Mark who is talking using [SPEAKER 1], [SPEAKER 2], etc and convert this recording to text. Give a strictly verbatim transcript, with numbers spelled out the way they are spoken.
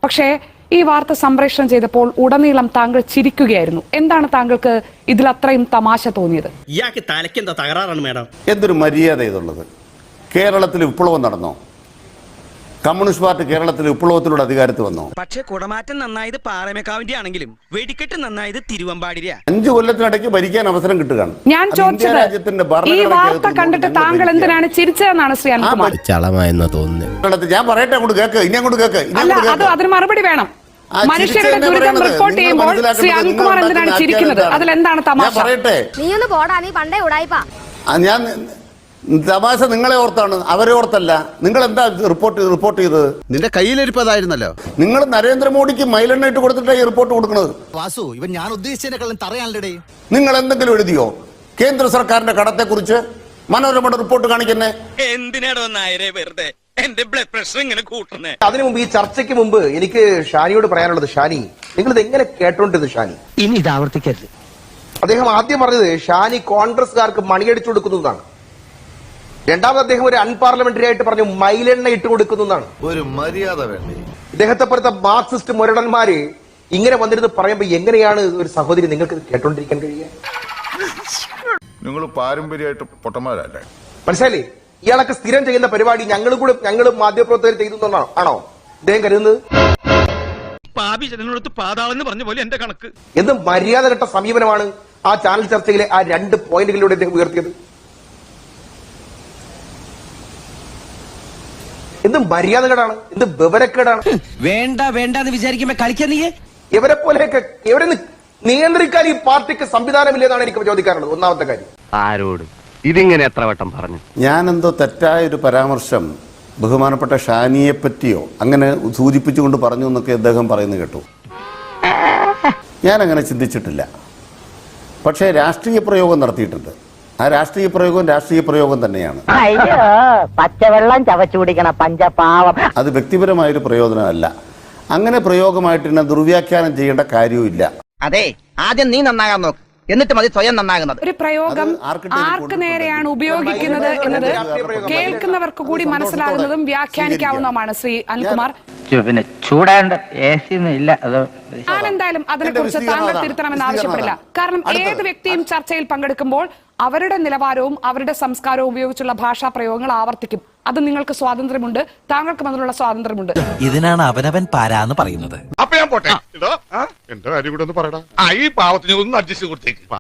[SPEAKER 1] പക്ഷേ ഈ വാർത്ത സംപ്രേഷണം ചെയ്തപ്പോൾ ഉടനീളം താങ്കൾ ചിരിക്കുകയായിരുന്നു. എന്താണ് താങ്കൾക്ക് ഇതിൽ അത്രയും തമാശ തോന്നിയത്?
[SPEAKER 2] ഇയാൾക്ക് തലയ്ക്കെന്താ തകരാറാണ് മേഡം?
[SPEAKER 3] എന്തൊരു മര്യാദ ഇതുള്ളത്? കേരളത്തിൽ വിപ്ലവം നടന്നോ? കമ്മ്യൂണിസ്റ്റ് പാർട്ടി കേരളത്തിൽ വിപ്ലവത്തിലൂടെ അധികാരത്തിൽ വന്നോ?
[SPEAKER 4] പക്ഷേ കുടമാറ്റം നന്നായത് പാറമേക്കാവിന്റെ ആണെങ്കിലും വെടിക്കെട്ട് നന്നായത് തിരുവമ്പാടിരിയാ.
[SPEAKER 3] അഞ്ചു കൊല്ലത്തിനിടയ്ക്ക് ഭരിക്കാൻ അവസരം കിട്ടുകയാണ്.
[SPEAKER 1] ഞാൻ ചോദിച്ചത് ഈ വാർത്ത കണ്ടിട്ട് താങ്കൾ എന്തിനാണ് ചിരിച്ചതെന്നാണ് ശ്രീ അനിൽകുമാർ.
[SPEAKER 5] ചളമായെന്ന് തോന്നുന്നു.
[SPEAKER 3] ഞാൻ പറയട്ടെ, അങ്ങോട്ട് കേക്ക്, ഇനി അങ്ങോട്ട് കേക്ക്.
[SPEAKER 1] അല്ല, അത് അതിന് മറുപടി വേണം. മനുഷ്യരുടെ ദുരിതം റിപ്പോർട്ട് ചെയ്യുമ്പോൾ ശ്രീ അനിൽകുമാർ എന്തിനാണ് ചിരിക്കുന്നത്? അതിലെന്താണ് തമാശ?
[SPEAKER 3] പറയട്ടെ,
[SPEAKER 6] നീ ഒന്ന് പോടാ, നീ പണ്ടേ ഉടായിപ്പാ.
[SPEAKER 3] ഞാൻ തമാശ നിങ്ങളെ ഓർത്താണ്, അവരെ ഓർത്തല്ല. നിങ്ങൾ എന്താ റിപ്പോർട്ട് റിപ്പോർട്ട് ചെയ്തത്?
[SPEAKER 5] നിന്റെ കയ്യിലിരിപ്പതായിരുന്നല്ലോ.
[SPEAKER 3] നിങ്ങൾ നരേന്ദ്രമോദിക്ക് മൈലെണ്ണ ഇട്ട് കൊടുത്തിട്ടാണ് ഈ റിപ്പോർട്ട് കൊടുക്കുന്നത്.
[SPEAKER 5] വാസു, ഇവൻ ഞാൻ ഉദ്ദേശിച്ചതിനെക്കാളും തറയാണല്ലേ.
[SPEAKER 3] നിങ്ങൾ എന്തെങ്കിലും എഴുതിയോ കേന്ദ്ര സർക്കാരിന്റെ കടത്തെ കുറിച്ച്? മനോരമയുടെ റിപ്പോർട്ട് കാണിക്കുന്നേ
[SPEAKER 4] എന്തിനാടോ നായരെ വെറുതെ എന്റെ ബ്ലഡ് പ്രഷർ ഇങ്ങനെ കൂട്ടുന്നേ?
[SPEAKER 7] അതിനു മുമ്പ്, ഈ ചർച്ചയ്ക്ക് മുമ്പ് എനിക്ക് ഷാനിയോട് പറയാനുള്ളത്, ഷാനി, നിങ്ങൾ ഇത് എങ്ങനെ കേട്ടോണ്ടിരുന്നു? ഷാനി,
[SPEAKER 4] ഇനി ഇത് ആവർത്തിക്കരുത്.
[SPEAKER 7] അദ്ദേഹം ആദ്യം പറഞ്ഞത് ഷാനി കോൺഗ്രസ്സുകാർക്ക് മണിയടിച്ചു കൊടുക്കുന്നതാണ്. രണ്ടാമത് അദ്ദേഹം ഒരു അൺപാർലമെന്ററി ആയിട്ട് പറഞ്ഞു മൈലെണ്ണ ഇട്ട് കൊടുക്കുന്നതാണ്.
[SPEAKER 5] ഒരു മര്യാദ വേണ്ടേ?
[SPEAKER 7] ഇദ്ദേഹത്തെ പോലത്തെ മാർക്സിസ്റ്റ് മുരടന്മാര് ഇങ്ങനെ വന്നിരുന്ന് പറയുമ്പോ എങ്ങനെയാണ് ഒരു സഹോദരി നിങ്ങൾക്ക് കേട്ടോണ്ടിരിക്കാൻ കഴിയുക?
[SPEAKER 8] നിങ്ങൾ പാരമ്പര്യമായിട്ട് പൊട്ടന്മാരല്ലേ?
[SPEAKER 7] മനസ്സിലായില്ലേ? ഇയാളൊക്കെ സ്ഥിരം ചെയ്യുന്ന പരിപാടി ഞങ്ങളും കൂടെ ഞങ്ങളും മാധ്യമപ്രവർത്തകർ ചെയ്തു ആണോ ഇദ്ദേഹം കരുതുന്നത്?
[SPEAKER 4] പാപി ജനങ്ങളോട് പാതാവെന്ന് പറഞ്ഞ പോലെ എന്റെ കണക്ക്.
[SPEAKER 7] എന്ത് മര്യാദ ഘട്ട സമീപനമാണ് ആ ചാനൽ ചർച്ചയിലെ ആ രണ്ട് പോയിന്റുകളിലൂടെ അദ്ദേഹം ഉയർത്തിയത്? എന്ത് മര്യാദകേടാണ്, എന്ത് വിവരക്കേടാണ്.
[SPEAKER 4] വേണ്ട വേണ്ട എന്ന് വിചാരിക്കുമ്പോ കളിക്കാൻ നീ
[SPEAKER 7] ഇവരെ പോലെയൊക്കെ ഇവരെ നിയന്ത്രിക്കാൻ ഈ പാർട്ടിക്ക് സംവിധാനമില്ലെന്നാണ് എനിക്ക് ചോദിക്കാറുള്ളത്. ഒന്നാമത്തെ കാര്യം.
[SPEAKER 9] ആരോട് ഇതിങ്ങനെ എത്ര വട്ടം പറഞ്ഞു?
[SPEAKER 3] ഞാനെന്തോ തെറ്റായൊരു പരാമർശം ബഹുമാനപ്പെട്ട ഷാനിയെ പറ്റിയോ അങ്ങനെ സൂചിപ്പിച്ചുകൊണ്ട് പറഞ്ഞു എന്നൊക്കെ അദ്ദേഹം പറയുന്നത് കേട്ടു. ഞാനങ്ങനെ ചിന്തിച്ചിട്ടില്ല. പക്ഷേ രാഷ്ട്രീയ പ്രയോഗം നടത്തിയിട്ടുണ്ട്. ആ രാഷ്ട്രീയ പ്രയോഗം രാഷ്ട്രീയ പ്രയോഗം തന്നെയാണ്.
[SPEAKER 10] അയ്യോ, പച്ചവെള്ളം ചവച്ചു കുടിക്കണ പഞ്ചപാവം.
[SPEAKER 3] അത് വ്യക്തിപരമായൊരു പ്രയോജനമല്ല. അങ്ങനെ പ്രയോഗമായിട്ട് തന്നെ ദുർവ്യാഖ്യാനം ചെയ്യേണ്ട കാര്യവുമില്ല.
[SPEAKER 4] അതെ, ആദ്യം നീ നന്നാകാൻ നോക്ക്, എന്നിട്ട് മതി സ്വയം നന്നാകുന്നത്.
[SPEAKER 1] ഒരു പ്രയോഗം ആർക്ക് നേരെയാണ് ഉപയോഗിക്കുന്നത് എന്നത് കേൾക്കുന്നവർക്ക് കൂടി മനസ്സിലാകുന്നതും വ്യാഖ്യാനിക്കാവുന്നതുമാണ്. ശ്രീ അനിൽകുമാർ,
[SPEAKER 9] പിന്നെ ചൂടാണ്ട് ഇല്ല.
[SPEAKER 1] ഞാൻ എന്തായാലും അതിനെക്കുറിച്ച് താങ്കൾ തിരുത്തണമെന്ന് ആവശ്യപ്പെടില്ല. കാരണം ഏത് വ്യക്തിയും ചർച്ചയിൽ പങ്കെടുക്കുമ്പോൾ അവരുടെ നിലവാരവും അവരുടെ സംസ്കാരവും ഉപയോഗിച്ചുള്ള ഭാഷാ പ്രയോഗങ്ങൾ ആവർത്തിക്കും. അത് നിങ്ങൾക്ക് സ്വാതന്ത്ര്യമുണ്ട്, താങ്കൾക്കും അതിനുള്ള സ്വാതന്ത്ര്യമുണ്ട്.
[SPEAKER 11] ഇതിനാണ് അവനവൻ പാരാന്ന് പറയുന്നത്.
[SPEAKER 8] അപ്പൊ ഞാൻ പോട്ടെ. എന്റെ കാര്യം കൂടെ ഒന്ന് പറയടാ. ഈ പാവത്തിന് ഒന്ന് അഡ്ജസ്റ്റ് കൊടുത്തേക്ക്.